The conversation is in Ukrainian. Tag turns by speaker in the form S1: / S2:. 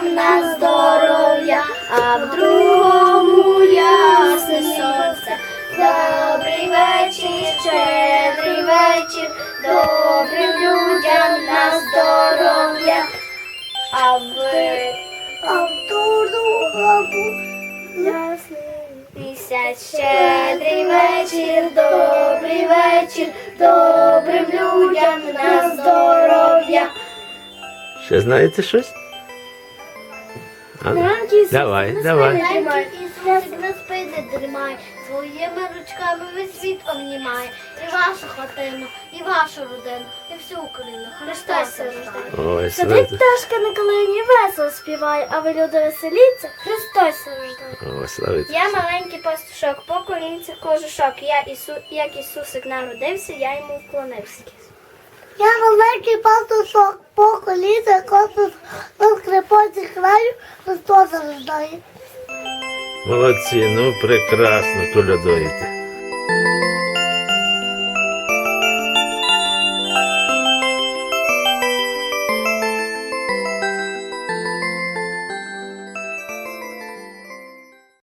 S1: людям на здоров'я, а в другому ясне сонце. Добрий вечір, щедрий вечір, добрим людям на здоров'я, а в другому місяць. Щедрий вечір, добрий вечір, добрим людям на здоров'я.
S2: Ще знаєте щось? Давай.
S1: Ісусик на спині дрімає, своїми ручками весь світ обнімає. І вашу хатину, і вашу родину, і всю Україну. Христос рождає.
S2: Ой,
S1: Сидить пташка на калині, весело співає, а ви, люди, веселіться, Христос рождає.
S2: О, славити.
S1: Я маленький пастушок, по колінці кожушок. Як Ісусик народився, я йому вклонився.
S3: Я маленький пастушок, по коліна космос, на скрипоці краю, Христос рождає.
S2: Молодці, ну прекрасно колядуєте.